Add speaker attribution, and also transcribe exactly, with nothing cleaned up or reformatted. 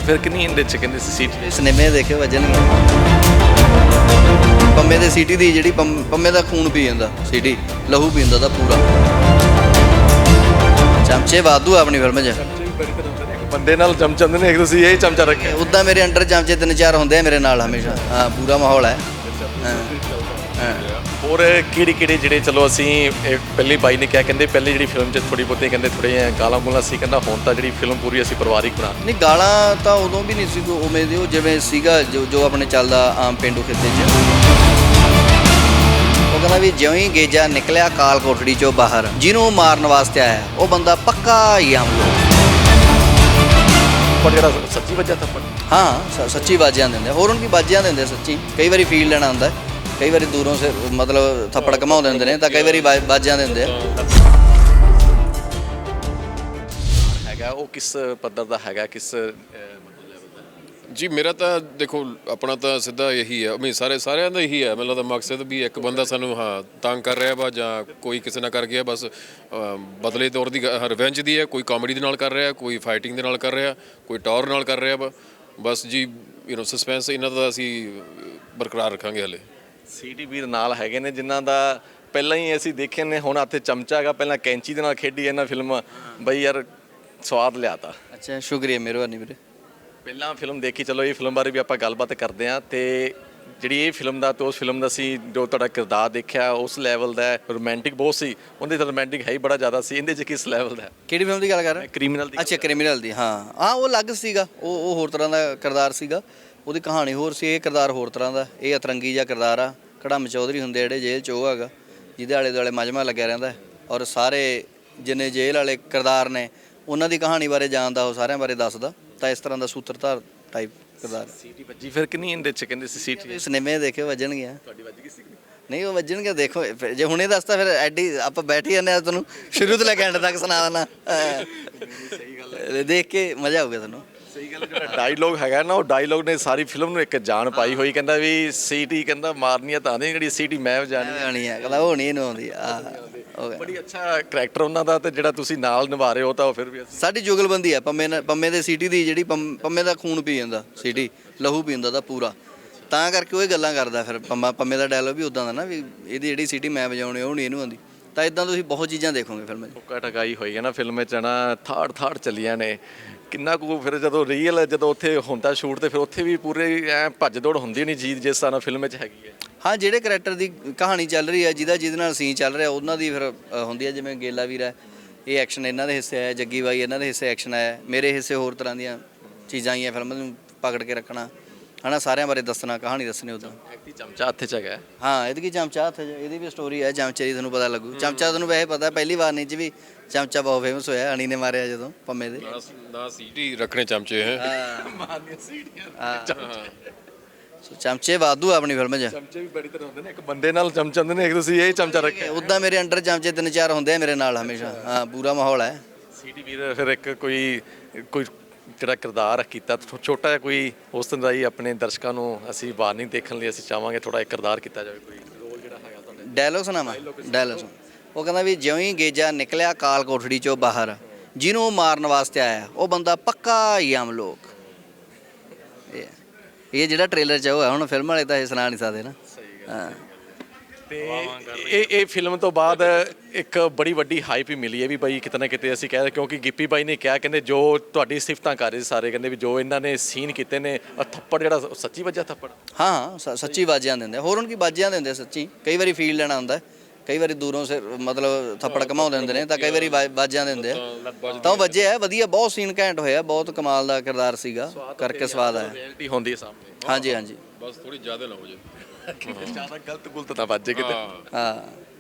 Speaker 1: ਫਿਰ ਕਿੰਨੀ ਇਹਦੇ 'ਚ ਕਹਿੰਦੇ ਸੀ ਸੀਟੀ
Speaker 2: ਸਿਨੇਮੇ ਦੇਖੇ ਵੱਜਣਗੇ ਪੰਮੇ ਦੇ ਸੀਟੀ ਦੀ ਜਿਹੜੀ ਪੰਮ- ਪੰਮੇ ਦਾ ਖੂਨ ਪੀ ਜਾਂਦਾ ਸੀਟੀ ਲਹੂ ਪੀਂਦਾ ਦਾ ਪੂਰਾ ਚਮਚੇ ਵਾਧੂ ਆ ਆਪਣੀ ਫਿਲਮ 'ਚ
Speaker 1: ਬੰਦੇ ਨਾਲ ਚਮਚੰਦ ਨੇ ਇੱਕ ਤੁਸੀਂ ਇਹ ਚਮਚਾ ਰੱਖਿਆ
Speaker 2: ਉੱਦਾਂ ਮੇਰੇ ਅੰਡਰ ਚਮਚੇ ਤਿੰਨ ਚਾਰ ਹੁੰਦੇ ਆ ਮੇਰੇ ਨਾਲ ਹਮੇਸ਼ਾ ਹਾਂ ਪੂਰਾ ਮਾਹੌਲ ਹੈ ਹਾਂ
Speaker 1: ਹੋਰ ਕਿਹੜੀ ਕਿਹੜੀ ਜਿਹੜੇ ਚਲੋ ਅਸੀਂ ਇਹ ਪਹਿਲੀ ਬਾਈ ਨੇ ਕਿਹਾ ਕਹਿੰਦੇ ਪਹਿਲੀ ਜਿਹੜੀ ਫਿਲਮ 'ਚ ਥੋੜੀ ਬਹੁਤੀ ਕਹਿੰਦੇ ਥੋੜ੍ਹੇ ਗਾਲਾਂ ਗੂਲਾਂ ਸੀ ਕਹਿੰਦਾ ਹੁਣ ਤਾਂ ਜਿਹੜੀ ਫਿਲਮ ਪੂਰੀ ਅਸੀਂ ਪਰਿਵਾਰਿਕ ਬਣਾ
Speaker 2: ਨਹੀਂ ਗਾਲਾਂ ਤਾਂ ਉਦੋਂ ਵੀ ਨਹੀਂ ਸੀ ਕੋਈ ਉਵੇਂ ਦੀ ਉਹ ਜਿਵੇਂ ਸੀਗਾ ਜੋ ਜੋ ਆਪਣੇ ਚੱਲਦਾ ਆਮ ਪੇਂਡੂ ਖਿੱਤੇ 'ਚ ਉਹ ਕਹਿੰਦਾ ਵੀ ਜਿਉਂ ਹੀ ਗੇਜਾ ਨਿਕਲਿਆ ਕਾਲ ਕੋਠੜੀ 'ਚੋਂ ਬਾਹਰ ਜਿਹਨੂੰ ਮਾਰਨ ਵਾਸਤੇ ਆਇਆ ਉਹ ਬੰਦਾ ਪੱਕਾ ਹੀ ਆਮ ਲੋਕ
Speaker 1: ਪਰ ਜਿਹੜਾ ਸੱਚੀ ਵਜ੍ਹਾ ਥੱਪੜ
Speaker 2: ਹਾਂ ਸ- ਸੱਚੀ ਬਾਜਿਆਂ ਦਿੰਦੇ ਹੋਰਨ ਕੀ ਬਾਜਿਆਂ ਦਿੰਦੇ ਸੱਚੀ ਕਈ ਵਾਰੀ ਫੀਲ ਲੈਣਾ ਹੁੰਦਾ ਕਈ ਵਾਰੀ ਦੂਰੋਂ ਸੇ ਮਤਲਬ ਥੱਪੜ ਘਮਾਉ ਦਿੰਦੇ ਨੇ ਤਾਂ ਕਈ ਵਾਰੀ ਬਾ- ਬਾਜਿਆਂ ਦਿੰਦੇ ਆ
Speaker 1: ਹੈਗਾ ਉਹ ਕਿਸ ਪੱਧਰ ਦਾ ਹੈਗਾ ਕਿਸ
Speaker 3: ਜੀ ਮੇਰਾ ਤਾਂ ਦੇਖੋ ਆਪਣਾ ਤਾਂ ਸਿੱਧਾ ਇਹੀ ਹੈ ਮੈਂ ਸਾਰੇ ਸਾਰਿਆਂ ਦਾ ਇਹੀ ਹੈ ਮੈਨੂੰ ਲੱਗਦਾ ਮਕਸਦ ਵੀ ਇੱਕ ਬੰਦਾ ਸਾਨੂੰ ਹਾਂ ਤੰਗ ਕਰ ਰਿਹਾ ਵਾ ਜਾਂ ਕੋਈ ਕਿਸੇ ਨਾਲ ਕਰ ਗਿਆ ਬਸ ਅਮ, ਬਦਲੇ ਤੌਰ ਦੀ ਰਿਵੈਂਜ ਦੀ ਹੈ ਕੋਈ ਕਾਮੇਡੀ ਦੇ ਨਾਲ ਕਰ ਰਿਹਾ ਕੋਈ ਫਾਈਟਿੰਗ ਦੇ ਨਾਲ ਕਰ ਰਿਹਾ ਕੋਈ ਟੌਰ ਨਾਲ ਕਰ ਰਿਹਾ ਵਾ ਬਸ ਜੀ ਯੂ نو ਸਸਪੈਂਸ ਇਹਨਾਂ ਦਾ ਅਸੀਂ ਬਰਕਰਾਰ ਰੱਖਾਂਗੇ ਹਲੇ
Speaker 1: ਸੀਟੀ ਵੀਰ ਨਾਲ ਹੈਗੇ ਨੇ ਜਿਨ੍ਹਾਂ ਦਾ ਪਹਿਲਾਂ ਹੀ ਅਸੀਂ ਦੇਖੇ ਨੇ ਹੁਣ ਹੱਥੇ ਚਮਚਾ ਹੈਗਾ ਪਹਿਲਾਂ ਕੈਂਚੀ ਦੇ ਨਾਲ ਖੇਡੀ ਇਹਨਾਂ ਫਿਲਮ ਬਈ ਯਾਰ ਸਵਾਦ ਲਿਆਤਾ
Speaker 2: ਅੱਛਾ ਸ਼ੁਕਰੀਆ ਮਿਹਰਬਾਨੀ ਵੀਰੇ
Speaker 1: ਪਹਿਲਾਂ ਫਿਲਮ ਦੇਖੀ ਚਲੋ ਇਹ ਫਿਲਮ ਬਾਰੇ ਵੀ ਆਪਾਂ ਗੱਲਬਾਤ ਕਰਦੇ ਹਾਂ ਤੇ ਜਿਹੜੀ ਇਹ ਫਿਲਮ ਦਾ ਤੇ ਉਸ ਫਿਲਮ ਦਾ ਸੀ ਜੋ ਤੁਹਾਡਾ ਕਿਰਦਾਰ ਦੇਖਿਆ ਉਸ ਲੈਵਲ ਦਾ ਰੋਮਾਂਟਿਕ ਬਹੁਤ ਸੀ ਉਹਦੇ ਤਾਂ ਰੋਮਾਂਟਿਕ ਹੈ ਹੀ ਬੜਾ ਜ਼ਿਆਦਾ ਸੀ ਇਹਦੇ 'ਚ ਕਿਸ ਲੈਵਲ ਦਾ
Speaker 2: ਕਿਹੜੀ ਫਿਲਮ ਦੀ ਗੱਲ ਕਰ ਰਹੇ
Speaker 1: ਕ੍ਰਿਮੀਨਲ ਦੀ
Speaker 2: ਅੱਛਾ ਕ੍ਰਿਮੀਨਲ ਦੀ ਹਾਂ ਹਾਂ ਉਹ ਅਲੱਗ ਸੀਗਾ ਉਹ ਉਹ ਹੋਰ ਤਰ੍ਹਾਂ ਦਾ ਕਿਰਦਾਰ ਸੀਗਾ ਉਹਦੀ ਕਹਾਣੀ ਹੋਰ ਸੀ ਇਹ ਕਿਰਦਾਰ ਹੋਰ ਤਰ੍ਹਾਂ ਦਾ ਇਹ ਅਤਰੰਗੀ ਜਿਹਾ ਕਿਰਦਾਰ ਆ ਕੜਮ ਚੌਧਰੀ ਹੁੰਦੇ ਜਿਹੜੇ ਜੇਲ੍ਹ 'ਚ ਉਹ ਹੈਗਾ ਜਿਹਦੇ ਆਲੇ ਦੁਆਲੇ ਮਜਮਾ ਲੱਗਿਆ ਰਹਿੰਦਾ ਔਰ ਸਾਰੇ ਜਿੰਨੇ ਜੇਲ੍ਹ ਵਾਲੇ ਕਿਰਦਾਰ ਨੇ ਉਹਨਾਂ ਦੀ ਕਹਾਣੀ ਬਾਰੇ ਜਾਣਦਾ ਉਹ ਸਾਰਿਆਂ ਬਾਰੇ ਦੱਸਦਾ ਤਾਂ ਇਸ ਤਰ੍ਹਾਂ ਦਾ ਸੂਤਰਧਾਰ ਟਾਈਪ ਕਿਰਦਾਰ
Speaker 1: ਸੀਟੀ ਵੱਜੀ ਫਿਰ ਕਿੰਨੀ ਇਹਦੇ 'ਚ ਕਹਿੰਦੇ ਸੀ ਸੀਟੀ
Speaker 2: ਸਿਨੇਮੇ ਦੇਖੇ ਵੱਜਣਗੀਆਂ
Speaker 1: ਤੁਹਾਡੀ ਵੱਜ ਗਈ ਸੀ
Speaker 2: ਨਹੀਂ ਉਹ ਵੱਜਣਗੇ ਦੇਖੋ ਫਿਰ ਜੇ ਹੁਣੇ ਦੱਸਤਾ ਫਿਰ ਐਡੀ ਆਪਾਂ ਬੈਠ ਹੀ ਜਾਂਦੇ ਆ ਤੁਹਾਨੂੰ ਸ਼ੁਰੂ ਤੋਂ ਲੈ ਕੇ ਐਂਡ ਤੱਕ ਸੁਣਾ ਦੇਣਾ ਸਹੀ ਗੱਲ ਦੇਖ ਕੇ ਮਜ਼ਾ ਆਊਗਾ ਤੁਹਾਨੂੰ
Speaker 1: ਸਹੀ ਗੱਲ ਜਿਹੜਾ ਡਾਇਲੋਗ ਹੈਗਾ ਨਾ ਉਹ ਡਾਇਲੋਗ ਨੇ ਸਾਰੀ ਫਿਲਮ ਨੂੰ ਇੱਕ ਜਾਨ ਪਾਈ ਹੋਈ ਕਹਿੰਦਾ ਵੀ ਸੀਟੀ ਕਹਿੰਦਾ ਮਾਰਨੀ ਆ ਤਾਂ ਨਹੀਂ ਜਿਹੜੀ ਸੀਟੀ ਮੈਂ ਵਜਾਣੀ
Speaker 2: ਆਣੀ ਹੈ ਕਹਿੰਦਾ ਉਹ ਨਹੀਂ ਇਹਨੂੰ ਆਉਂਦੀ ਆ ਹੋ ਗਿਆ
Speaker 1: ਬੜੀ ਅੱਛਾ ਕਰੈਕਟਰ ਉਹਨਾਂ ਦਾ ਤੇ ਜਿਹੜਾ ਤੁਸੀਂ ਨਾਲ ਨਿਭਾ ਰਹੇ ਹੋ ਤਾਂ ਉਹ ਫਿਰ ਵੀ
Speaker 2: ਸਾਡੀ ਜੁਗਲਬੰਦੀ ਆ ਪੰਮੇ ਨਾਲ ਪੰਮੇ ਦੇ ਸੀਟੀ ਦੀ ਜਿਹੜੀ ਪੰਮ- ਪੰਮੇ ਦਾ ਖੂਨ ਪੀ ਜਾਂਦਾ ਸੀਟੀ ਲਹੂ ਪੀਂਦਾ ਦਾ ਪੂਰਾ ਤਾਂ ਕਰਕੇ ਉਹ ਇਹ ਗੱਲਾਂ ਕਰਦਾ ਫਿਰ ਪੰਮਾ ਪੰਮੇ ਦਾ ਡਾਇਲੋਗ ਵੀ ਉਦਾਂ ਦਾ ਨਾ ਵੀ ਇਹਦੀ ਜਿਹੜੀ ਸੀਟੀ ਮੈਂ ਵਜਾਉਣੀ ਉਹ ਨਹੀਂ ਇਹਨੂੰ ਆਉਂਦੀ ਤਾਂ ਇਦਾਂ ਤੁਸੀਂ ਬਹੁਤ ਚੀਜ਼ਾਂ ਦੇਖੋਗੇ ਫਿਲਮ 'ਚ
Speaker 1: ਟੋਕਾ ਟਕਾਈ ਹੋਈ ਹੈ ਨਾ ਫਿਲਮ ਵਿੱਚ ਨਾ ਥਾੜ ਥਾੜ ਚੱਲੀਆਂ ਨੇ ਕਿੰਨਾ ਕੁ ਫਿਰ ਜਦੋਂ ਰੀਅਲ ਜਦੋਂ ਉੱਥੇ ਹੁੰਦਾ ਸ਼ੂਟ ਤੇ ਫਿਰ ਉੱਥੇ ਵੀ ਪੂਰੇ ਐ ਭੱਜ ਦੌੜ ਹੁੰਦੀ ਨਹੀਂ ਜੀ ਜਿਸ ਤਰ੍ਹਾਂ ਨਾਲ ਫਿਲਮ ਵਿੱਚ ਹੈਗੀ ਹੈ
Speaker 2: ਹਾਂ ਜਿਹੜੇ ਕਰੈਕਟਰ ਦੀ ਕਹਾਣੀ ਚੱਲ ਰਹੀ ਹੈ ਜਿਹਦਾ ਜਿਹਦੇ ਨਾਲ ਸੀਨ ਚੱਲ ਰਿਹਾ ਉਹਨਾਂ ਦੀ ਫਿਰ ਅ, ਹੁੰਦੀ ਹੈ ਜਿਵੇਂ ਗੇਲਾ ਵੀਰ ਹੈ ਇਹ ਐਕਸ਼ਨ ਇਹਨਾਂ ਦੇ ਹਿੱਸੇ ਆਇਆ ਜੱਗੀ ਬਾਈ ਇਹਨਾਂ ਦੇ ਹਿੱਸੇ ਐਕਸ਼ਨ ਆਇਆ ਮੇਰੇ ਹਿੱਸੇ ਹੋਰ ਤਰ੍ਹਾਂ ਦੀਆਂ ਚੀਜ਼ਾਂ ਆਈਆਂ ਫਿਲਮ ਨੂੰ ਪਕੜ ਕੇ ਰੱਖਣਾ ਹਨਾ ਸਾਰਿਆਂ ਬਾਰੇ ਦੱਸਣਾ ਕਹਾਣੀ ਦੱਸਣੀ ਉਦਾਂ
Speaker 1: ਐਕਟੀ ਚਮਚਾ ਹੱਥ 'ਚ ਹੈਗਾ
Speaker 2: ਹਾਂ ਇਹਦੀ ਕੀ ਚਮਚਾ ਹੱਥ 'ਚ ਇਹਦੀ ਵੀ ਸਟੋਰੀ ਹੈ ਚਮਚੇ ਦੀ ਤੁਹਾਨੂੰ ਪਤਾ ਲੱਗੂ ਚਮਚਾ ਤੁਹਾਨੂੰ ਵੈਸੇ ਪਤਾ ਪਹਿਲੀ ਵਾਰ ਨਹੀਂ 'ਚ ਵੀ ਚਮਚਾ ਬਹੁਤ ਫੇਮਸ ਹੋਇਆ ਅਣੀ ਨੇ ਮਾਰਿਆ ਜਦੋਂ ਪੰਮੇ ਦੇ
Speaker 3: ਨਾ ਸੀਟੀ ਰੱਖਣੇ ਚਮਚੇ ਹੈ
Speaker 2: ਹਾਂ
Speaker 1: ਮਾਰਨੀਆਂ ਸੀਟੀਆਂ
Speaker 2: ਹਾਂ ਸੋ ਚਮਚੇ ਵਾਧੂ ਆ ਆਪਣੀ ਫਿਲਮ 'ਚ
Speaker 1: ਚਮਚੇ ਵੀ ਬੜੀ ਤਰ੍ਹਾਂ ਹੁੰਦੇ ਨੇ ਇੱਕ ਬੰਦੇ ਨਾਲ ਚਮਚੰਦ ਨੇ ਇੱਕ ਤੁਸੀਂ ਇਹ ਚਮਚਾ ਰੱਖਿਆ
Speaker 2: ਉੱਦਾਂ ਮੇਰੇ ਅੰਡਰ ਚਮਚੇ ਤਿੰਨ ਚਾਰ ਹੁੰਦੇ ਆ ਮੇਰੇ ਨਾਲ ਹਮੇਸ਼ਾ ਹਾਂ ਪੂਰਾ ਮਾਹੌਲ ਹੈ
Speaker 1: ਸੀਟੀ ਵੀਰ ਫਿਰ ਇੱਕ ਕੋਈ ਕੋਈ ਜਿਹੜਾ ਕਿਰਦਾਰ ਕੀਤਾ ਛੋ- ਛੋਟਾ ਜਿਹਾ ਕੋਈ ਉਸ ਤਰ੍ਹਾਂ ਦਾ ਹੀ ਆਪਣੇ ਦਰਸ਼ਕਾਂ ਨੂੰ ਅਸੀਂ ਵਾਰਨਿੰਗ ਦੇਖਣ ਲਈ ਅਸੀਂ ਚਾਹਾਂਗੇ ਥੋੜਾ ਇੱਕ ਕਿਰਦਾਰ ਕੀਤਾ ਜਾਵੇ ਕੋਈ ਰੋਲ ਜਿਹੜਾ ਹੈਗਾ ਤੁਹਾਡਾ
Speaker 2: ਡਾਇਲੋਗ ਸੁਣਾਵਾਂ ਡਾਇਲੋਗ ਸੁਣ ਉਹ ਕਹਿੰਦਾ ਵੀ ਜਿਉਂ ਹੀ ਗੇਜਾ ਨਿਕਲਿਆ ਕਾਲ ਕੋਠੜੀ 'ਚੋਂ ਬਾਹਰ ਜਿਹਨੂੰ ਮਾਰਨ ਵਾਸਤੇ ਆਇਆ ਉਹ ਬੰਦਾ ਪੱਕਾ ਹੀ ਆਮ ਲੋਕ ਇਹ ਇਹ ਜਿਹੜਾ ਟ੍ਰੇਲਰ 'ਚ ਹੋਇਆ ਹੁਣ ਫਿਲਮ ਵਾਲੇ ਤਾਂ ਇਹ ਸੁਣਾ ਨਹੀਂ ਸਕਦੇ ਨਾ ਹਾਂ
Speaker 1: ਤੇ ਇਹ ਇਹ ਫਿਲਮ ਤੋਂ ਬਾਅਦ ਇੱਕ ਬੜੀ ਵੱਡੀ ਹਾਈਪ ਹੀ ਮਿਲੀ ਹੈ ਵੀ ਬਾਈ ਕਿਤੇ ਨਾ ਕਿਤੇ ਅਸੀਂ ਕਹਿ ਰਹੇ ਕਿਉਂਕਿ ਗਿੱਪੀ ਬਾਈ ਨੇ ਕਿਹਾ ਕਹਿੰਦੇ ਜੋ ਤੁਹਾਡੀ ਸਿਫਤਾਂ ਕਰ ਰਹੇ ਸੀ ਸਾਰੇ ਕਹਿੰਦੇ ਵੀ ਜੋ ਇਹਨਾਂ ਨੇ ਸੀਨ ਕੀਤੇ ਨੇ ਆਹ ਥੱਪੜ ਜਿਹੜਾ ਉਹ ਸੱਚੀ ਵੱਜਾ ਥੱਪੜ
Speaker 2: ਹਾਂ ਹਾਂ ਸ- ਸੱਚੀ ਬਾਜਿਆਂ ਦਿੰਦੇ ਹੋਰਨ ਕੀ ਬਾਜਿਆਂ ਦਿੰਦੇ ਸੱਚੀ ਕਈ ਵਾਰੀ ਫੀਲ ਲੈਣਾ ਹੁੰਦਾ ਕਈ ਵਾਰੀ ਦੂਰੋਂ ਸੇ ਮਤਲਬ ਥੱਪੜ ਘਮਾਉ ਦਿੰਦੇ ਨੇ ਤਾਂ ਕਈ ਵਾਰੀ ਬਾ- ਬਾਜਿਆਂ ਦਿੰਦੇ ਆ ਤਾਂ ਉਹ ਵੱਜੇ ਆ ਵਧੀਆ ਬਹੁਤ ਸੀਨ ਘੈਂਟ ਹੋਇਆ ਬਹੁਤ ਕਮਾਲ ਦਾ ਕਿਰਦਾਰ ਸੀਗਾ ਕਰਕੇ ਸਵਾਦ ਆਇਆ
Speaker 1: ਰਿਐਲਿਟੀ ਹੁੰਦੀ ਹੈ ਸਾਹਮਣੇ
Speaker 2: ਹਾਂਜੀ ਹਾਂਜੀ
Speaker 3: ਬਸ ਥੋੜੀ ਜ਼ਿਆਦਾ ਨਾ ਹੋ ਜਾਏ
Speaker 1: ਜ਼ਿਆਦਾ ਗਲਤ ਗੁਲਤ ਨਾ ਵੱਜੇ ਕਿਤੇ
Speaker 2: ਹਾਂ